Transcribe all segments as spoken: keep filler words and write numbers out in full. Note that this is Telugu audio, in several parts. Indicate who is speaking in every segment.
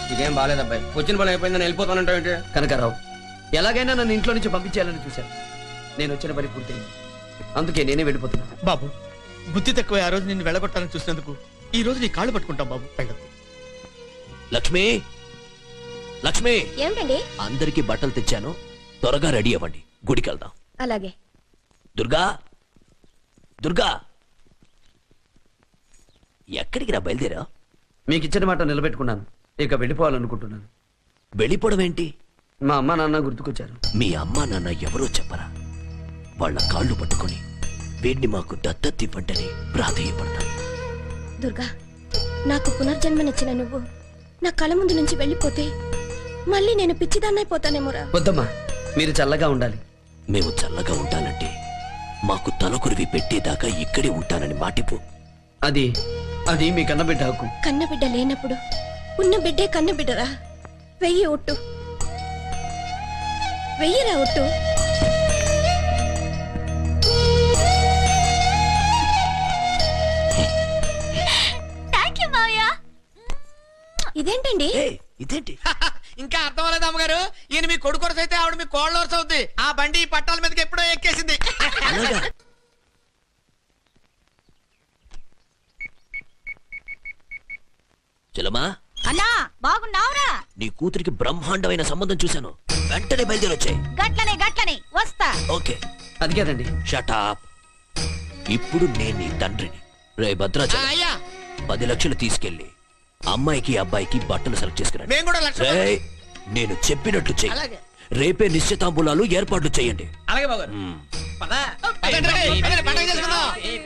Speaker 1: ఇదేం బాలేదు అబ్బాయి. వచ్చిన పని అయిపోయిందని వెళ్ళిపోతానంటే
Speaker 2: కనకారావు, ఎలాగైనా నన్ను ఇంట్లో నుంచి పంపించేయాలని చూశాను. నేను వచ్చిన పని పూర్తయింది, అందుకే నేనే వెళ్ళిపోతున్నా.
Speaker 3: బాబు, బుద్ధి తక్కువ ఆ రోజు నిన్ను వెళ్ళగొట్టాలని చూసినందుకు ఈ రోజు నీ కాళ్ళు పట్టుకుంటాం బాబు. వెళ్ళదు.
Speaker 4: లక్ష్మి, లక్ష్మి,
Speaker 5: ఏమిటండి?
Speaker 4: అందరికి బట్టలు తెచ్చాను, త్వరగా రెడీ అవ్వండి, గుడికి వెళ్దాం.
Speaker 5: అలాగే.
Speaker 4: దుర్గా, దుర్గా, ఎక్కడికి రా బయలుదేరా?
Speaker 2: మీకు ఇచ్చిన మాట నిలబెట్టుకున్నాను, ఇక వెళ్ళిపోవాలనుకుంటున్నాను.
Speaker 4: వెళ్ళిపోవడం ఏంటి?
Speaker 2: మా అమ్మ నాన్న గుర్తుకొచ్చారు.
Speaker 4: మీ అమ్మా నాన్న ఎవరో చెప్పరా? వాళ్ళ కాళ్ళు పట్టుకొని వీడిని మాకు దత్తతివ్వంటని ప్రాధేయపడతాను.
Speaker 5: దుర్గా, నాకు పునర్జన్మనిచ్చిన నువ్వు నా కళ్ళ ముందు నుంచి వెళ్ళిపోతే మళ్ళీ నేను పిచ్చిదాన్నైపోతానేమోరా.
Speaker 2: వద్దమ్మా, మీరు చల్లగా ఉండాలి.
Speaker 4: మేము చల్లగా ఉంటానంటే మాకు తలకురివి పెట్టేదాకా ఇక్కడే ఉంటానని మాటిపో.
Speaker 2: అది అది మీ కన్నబిడ్డ హక్కు.
Speaker 5: కన్నబిడ్డ లేనప్పుడు ఉన్న బిడ్డే కన్నబిడ్డరా. వెయ్యి ఒట్టు, వెయ్యిరా ఒట్టు. ఇదేంటండి?
Speaker 4: ఇదేంటి?
Speaker 3: ఇంకా అర్థం అవ్వలేదు అమ్మగారు. ఈయన మీ కొడుకు వరుస అయితే ఆవిడ మీ కోళ్ళ వరుస అవుద్ది. ఆ బండి పట్టాల మీదకి ఎప్పుడో ఎక్కేసింది.
Speaker 4: చలమా,
Speaker 6: అన్నా బాగున్నావురా?
Speaker 4: నీ కూతురికి బ్రహ్మాండమైన సంబంధం చూశాను, వెంటనే బయలుదేరొచ్చాయి.
Speaker 6: గట్లనే గట్లనే వస్తా.
Speaker 4: ఓకే.
Speaker 2: అది కాదండి.
Speaker 4: షటాప్. ఇప్పుడు నేను నీ తండ్రిని. రే భద్రాచలం,
Speaker 3: అయ్యా,
Speaker 4: పది లక్షలు తీసుకెళ్లి అమ్మాయికి అబ్బాయికి బట్టలు సెలెక్ట్ చేసుకురండి.
Speaker 3: మేము కూడా లక్ష.
Speaker 4: రేయ్, నేను చెప్పినట్లు చెయ్యి.
Speaker 3: అలాగే.
Speaker 4: రేపే నిశ్చితాంబులాలు ఏర్పాట్లు చేయండి.
Speaker 1: అలాగే బాబు.
Speaker 3: పదండి, పదండి, పదండి, పండగ చేసుకుందాం.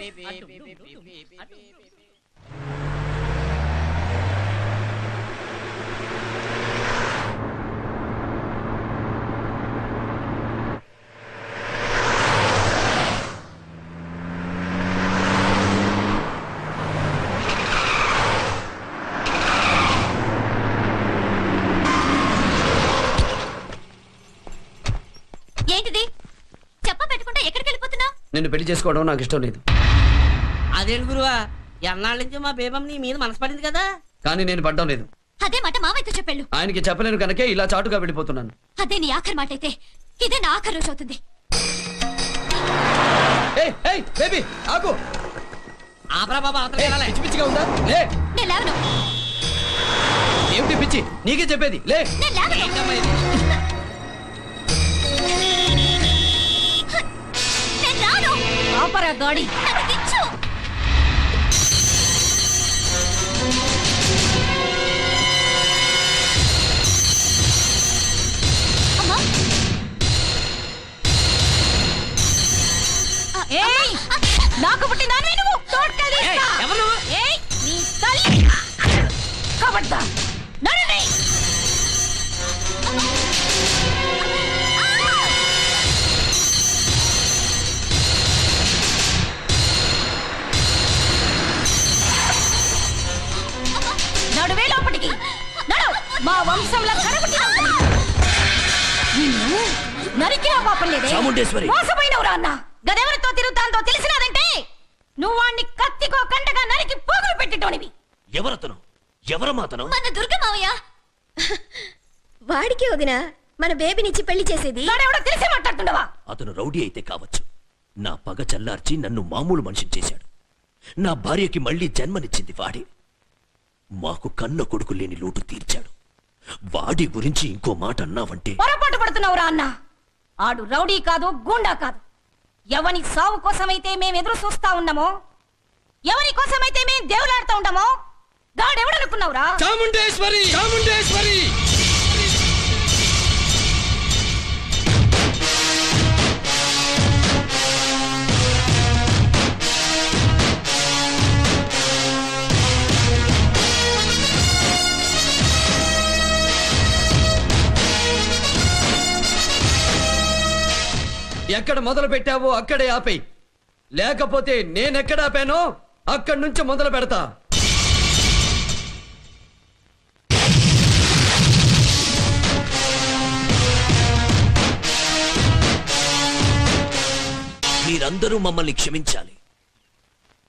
Speaker 6: ఏంటిది? చెప్ప పెట్టుకుంటా ఎక్కడికి వెళ్ళిపోతున్నావు?
Speaker 2: నిన్ను పెళ్లి చేసుకోవడం నాకు ఇష్టం లేదు.
Speaker 7: అదేంటి గురువా, ఎన్నాళ్ళ నుంచి మా బేబం నీ మీద మనసు పడింది కదా.
Speaker 2: కానీ నేను పడ్డం లేదు.
Speaker 6: అదే మాట మావయ్యతో చెప్పెళ్ళు.
Speaker 2: ఆయనకి చెప్పలేను కనుకే ఇలా చాటుగా వెళ్ళిపోతున్నాను.
Speaker 6: అదే నీ ఆఖరి మాట అయితే ఇదే నా ఆఖరి రోజు అవుతుంది.
Speaker 2: ఏయ్, ఏయ్, బేబీ, ఆగు.
Speaker 7: ఆపరా బాబా, అవతల
Speaker 2: ఏయ్,
Speaker 7: వెళ్ళాలి.
Speaker 2: పిచ్చి పిచ్చిగా ఉందా? లే.
Speaker 6: నేను లేవను.
Speaker 2: ఏమిటి పిచ్చి? నీకే చెప్పేది, లే.
Speaker 6: నేను లేవను.
Speaker 7: ఏంటమ్మా ఇది?
Speaker 6: నేను రాను. ఆపరా గాడి. నన్ను దించు. అమ్మా. ఏయ్, నాకు పుట్టినాను నువ్వు తోడ్కెళ్ళి.
Speaker 7: ఏయ్, ఎవరు నువ్వు?
Speaker 6: ఏయ్, నీ తల్లి కబడ్డా నడనే. నడువే లోపటికి నడు. మా వంశంలో కరగుట్టిన నిన్ను నరికినా పాపం లేదే.
Speaker 4: చాముండేశ్వరి,
Speaker 6: మోసపోయినవురా అన్న. గదెవరితో తిరుగుతాందో తెలిసినాదంటే నువ్వు వాణ్ణి కత్తికో కంటగా నరికి పోగులు పెట్టేటోనివి.
Speaker 4: ఎవరతను? ఎవరమాతను?
Speaker 6: మన దుర్గ మావయ్య.
Speaker 5: వాడికి వదినా మన బేబీనిచ్చి పెళ్లి చేసేది.
Speaker 6: వాడెవడో తెలిసే మాట్లాడుతుండవా?
Speaker 4: అతను రౌడీ అయితే కావచ్చు, నా పగ చల్లార్చి నన్ను మామూలు మనిషిని చేశాడు. నా భార్యకి మళ్ళీ జన్మనిచ్చింది వాడే. మాకు కన్న కొడుకు లేని లోటు తీర్చాడు. వాడి గురించి ఇంకో మాట అన్నావంటే
Speaker 6: పొరపాటు పడుతున్నావురా అన్న. ఆడు రౌడీ కాదు, గూండా కాదు. ఎవని సావు కోసమైతే మేం ఎదురు చూస్తా ఉన్నామో, ఎవరి కోసమైతే మేం దేవులాడుతూ ఉంటామో గాడెవడనుకున్నావురా?
Speaker 1: చాముండేశ్వరి, చాముండేశ్వరి.
Speaker 2: ఎక్కడ మొదలు పెట్టావో అక్కడే ఆపేయి, లేకపోతే నేనెక్కడ ఆపానో అక్కడి నుంచి మొదలు పెడతా.
Speaker 4: మీరందరూ మమ్మల్ని క్షమించాలి.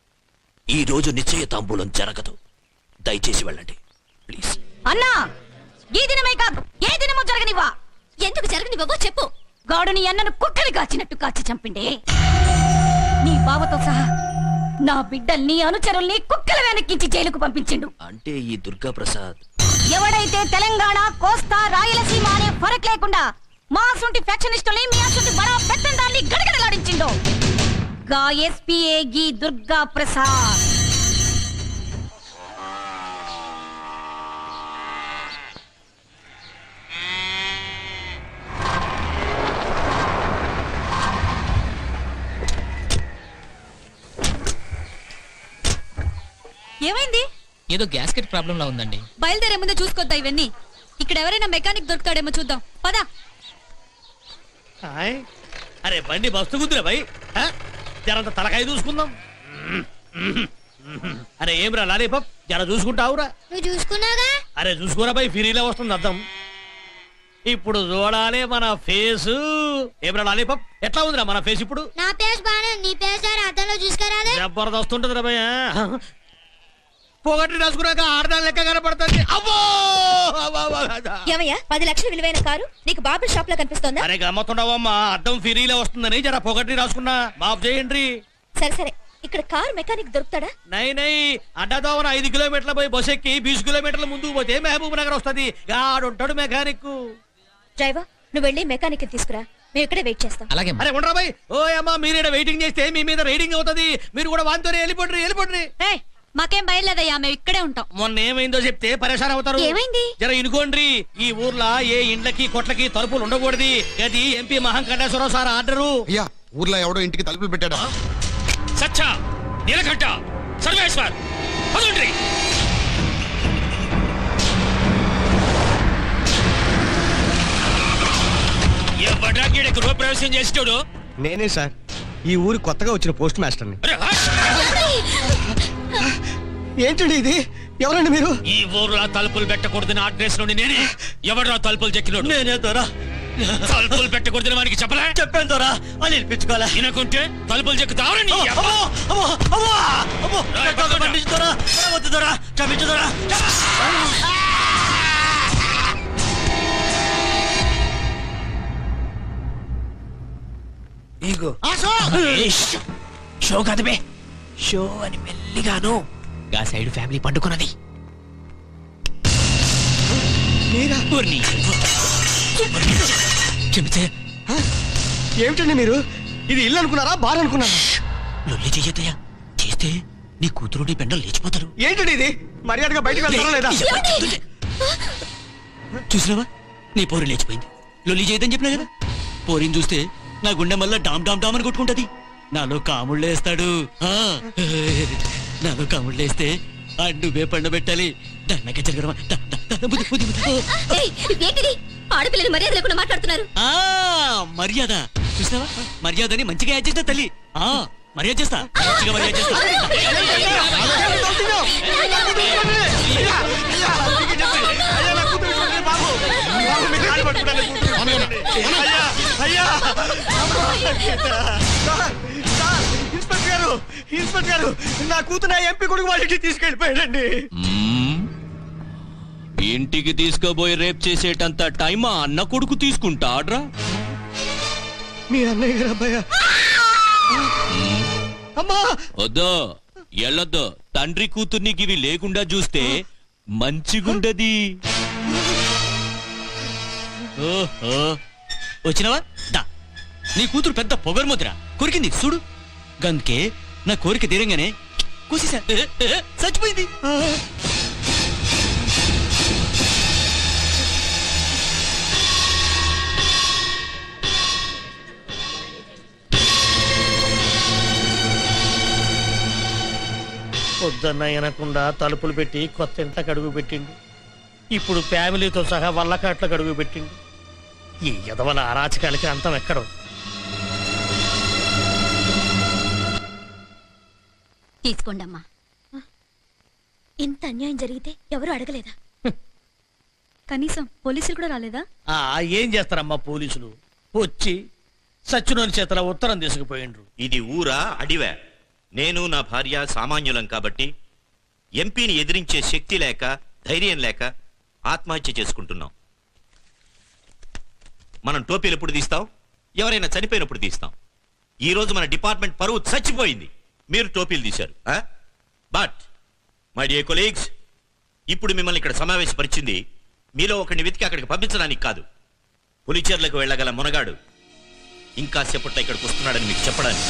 Speaker 4: ఈ రోజు నిశ్చయ తాంబూలం జరగదు. దయచేసి వెళ్ళండి ప్లీజ్.
Speaker 6: అన్నా, ఈ దినమే కాదు ఏ దినము జరగనివ్వా.
Speaker 5: ఎందుకు జరగనివ్వవో చెప్పు.
Speaker 6: గాడుని అన్నను కుక్కలు కాచినట్టు కాచి చంపిండే. నీ బావతో సహా నా బిడ్డల్ని అనుచరుల్ని కుక్కల వెనక్కించి జైలుకు పంపించిండు.
Speaker 4: అంటే ఈ దుర్గా ప్రసాద్
Speaker 6: ఎవడైతే తెలంగాణ కోస్తా రాయలసీమ అనే ఫరక్ లేకుండా మా అసొంటి ఫ్యాక్షనిస్టుల్ని మీ అసొంటి బడా పెత్తందాన్ని గడగడలాడించిండో గా ఎస్పీఏ గి దుర్గా ప్రసాద్.
Speaker 8: ఏమైంది?
Speaker 9: ఏదో గ్యాస్కెట్ ప్రాబ్లం లా ఉందండి.
Speaker 8: బయలుదేరే ముందే చూసుకొద్దా ఇవన్నీ. ఇక్కడ ఎవరైనా మెకానిక్ దొరుకుతాడేమో చూద్దాం పదా.
Speaker 10: హాయ్. అరే బండి మస్తు గుద్దురా భయ్. హ? జరంత తలకాయ చూసుకుందాం. అరే ఏం రా లాలీపాప్ జర చూసుకుంటావురా.
Speaker 5: నువ్వు చూసుకున్నాగా.
Speaker 10: అరే చూసుకోరా భయ్, ఫిరీలో వస్తుంది అర్థం. ఇప్పుడు చూడాలి మన ఫేసు. ఏం రా లాలీపాప్ ఎట్లా ఉందిరా మన ఫేస్ ఇప్పుడు?
Speaker 5: నా పేస్ బానే, నీ పేస్ అద్దంలో చూసుకురాదే.
Speaker 10: జబర్దస్త్ ఉంటుంది రా భయ్. పొగట్టి రాసుకున్నాక ఆడదాని లెక్క కనపడుతుంది. అబ్బో
Speaker 5: ఏమయ్యా, పది లక్షల విలువైన కారు నీకు బాబు షాప్ లో కనిపిస్తోందా?
Speaker 10: అరే గమ్మతుండవమ్మా, అద్దం ఫిరీలో వస్తుందని జర పొగట్టి రాసుకున్నా. మాఫ్ చేయండి.
Speaker 5: సరే సరే, ఇక్కడ కారు మెకానిక్ దొరుకుతాడా?
Speaker 10: నై నై అడ్డదోవన ఐదు కిలోమీటర్ల పోయి బస్ ఎక్కి బీస్ కిలోమీటర్ల ముందుకు పోతే మహబూబ్ నగర్ వస్తుంది. గాడుంటాడు మెకానిక్.
Speaker 5: డ్రైవర్, నువ్వు వెళ్ళి మెకానిక్ తీసుకురా, మేము ఇక్కడే వెయిట్ చేస్తాం.
Speaker 9: అలాగే
Speaker 10: అరే ఉండరా బాయ్. ఓ అమ్మా, మీరు వెయిటింగ్ చేస్తే మీ మీద రైడింగ్ అవుతుంది. మీరు కూడా వాంతో వెళ్ళిపోండి వెళ్ళిపోండి.
Speaker 8: ఏయ్, మాకేం బయలుదేదయ్యా, మేము ఇక్కడే ఉంటాం.
Speaker 10: మొన్న ఏమైందో చెప్తే పరేషాన్ అవుతారు.
Speaker 5: ఏమైంది?
Speaker 10: జర ఇనుకోండి. ఈ ఊర్లో ఏ ఇండ్లకి కొట్లకి తలుపులు ఉండకూడదు. అది ఎంపీ మహాంకటేశ్వరరావు సార్ ఆర్డరు.
Speaker 11: అయ్యా, ఊర్లో ఎవడో ఇంటికి తలుపులు పెట్టాడా?
Speaker 4: సచ్చా నీలకంఠ సర్వేశ్వర్ పదండ్రి. ఎవడ్రా గీడ గృహప్రవేశం చేసేటోడు?
Speaker 1: నేనే సార్, ఈ ఊరు కొత్తగా వచ్చిన పోస్ట్ మాస్టర్ని.
Speaker 4: అరే, హట్!
Speaker 1: ఏంటండి ఇది? ఎవరండి మీరు?
Speaker 4: ఈ ఊర్లో తలుపులు పెట్టకూడదని ఆర్డర్స్ నుండి నేనే. ఎవడ్రా తలుపులు చెక్కినోడు?
Speaker 10: నేనే తోరా.
Speaker 4: తలుపులు పెట్టకూడదని వానికి చెప్పలే?
Speaker 10: చెప్పాను తోరా, అని వినిపించుకోవాలా?
Speaker 4: వినకుంటే తలుపులు చెక్కుతావని
Speaker 1: ఈగో
Speaker 4: షో కాదు బే, షో అని మెల్లిగాను గా సైడ్ ఫ్యామిలీ పండుకున్నది. ఊర్ని. చెబితే
Speaker 1: ఏమిటండి మీరు? ఇది ఇల్లు అనుకున్నారా, బార్ అనుకున్నారా?
Speaker 4: లొల్లి చెయ్యొద్దయ్యా, చేస్తే నీ కూతురు నీ పెండలు లేచిపోతారు.
Speaker 1: ఏంటండి ఇది? మర్యాదగా బయటకు వెళ్తారా లేదా?
Speaker 4: చూసినావా, నీ పోరు లేచిపోయింది. లొల్లి చేయదని చెప్పినా కదా. పోరిని చూస్తే నా గుండె మళ్ళా డామ్ డామ్ డామ్ అని కొట్టుకుంటది. నాలో కాముళ్ళేస్తాడు. ఆ, నాలో కాముళ్ళేస్తే ఆ నువ్వే పండబెట్టాలి. దండగా జరగడమా.
Speaker 5: ఆడపిల్లని మర్యాద లేకుండా మాట్లాడుతున్నారు.
Speaker 4: ఆ మర్యాద చూసినావా, మర్యాదని మంచిగా యాడ్ చేస్తా తల్లి. ఆ మర్యాద చేస్తా, మంచిగా మర్యాద చేస్తా.
Speaker 1: ఇన్స్పెక్టర్ గారు, ఇన్స్పెక్టర్ గారు, నా కూతురు ఎంపీ కొడుకు వాళ్ళ ఇంటికి తీసుకెళ్ళిపోయాడండి.
Speaker 4: ఇంటికి తీసుకోబోయి రేప్ చేసేటంత టైమా అన్న కొడుకు తీసుకుంటాడ్రా?
Speaker 1: మీ అన్నయ్య గారు అబ్బాయ. అమ్మా
Speaker 4: వద్దో ఎల్లొద్దో, తండ్రి కూతుర్నికి ఇవి లేకుండా చూస్తే మంచిగుండది. ఓహో వచ్చినవా? దా, నీ కూతురు పెద్ద పొగర్ముద్ర కొరికింది చూడు. గందుకే నా కోరిక తీరంగానే కూసేసా, చచ్చిపోయింది.
Speaker 10: పొద్దున్న వినకుండా తలుపులు పెట్టి కొత్త ఇంట్లోకి అడుగు పెట్టిండు. ఇప్పుడు ఫ్యామిలీతో సహా వల్లకాట్లకు అడుగు పెట్టిండు. ఈ ఎదవల అరాచకాలకి అంతం ఎక్కడో.
Speaker 5: తీసుకోండమ్మా. ఇంత అన్యాయం జరిగితే ఎవరు అడగలేదా?
Speaker 8: కనీసం పోలీసులు కూడా రాలేదా?
Speaker 10: ఆ ఏం చేస్తారమ్మా పోలీసులు, వచ్చి సచ్చినోని చేతల ఉత్తరం తీసుకుపోయిండ్రు.
Speaker 12: ఇది ఊరా అడివా? నేను నా భార్య సామాన్యులం కాబట్టి ఎంపీని ఎదిరించే శక్తి లేక ధైర్యం లేక ఆత్మహత్య చేసుకుంటున్నాం. మనం టోపీలు ఎప్పుడు తీస్తాం? ఎవరైనా చనిపోయినప్పుడు తీస్తాం. ఈ రోజు మన డిపార్ట్మెంట్ పరువు చచ్చిపోయింది. మీరు టోపీలు తీశారు. బట్ మై డియర్ కొలీగ్స్, ఇప్పుడు మిమ్మల్ని ఇక్కడ సమావేశపరిచింది మీలో ఒకరిని వెతికి అక్కడికి పంపించడానికి కాదు. పులిచెర్లకు వెళ్ళగల మునగాడు ఇంకా సేపట్లో ఇక్కడికి వస్తున్నాడని మీకు చెప్పడానికి.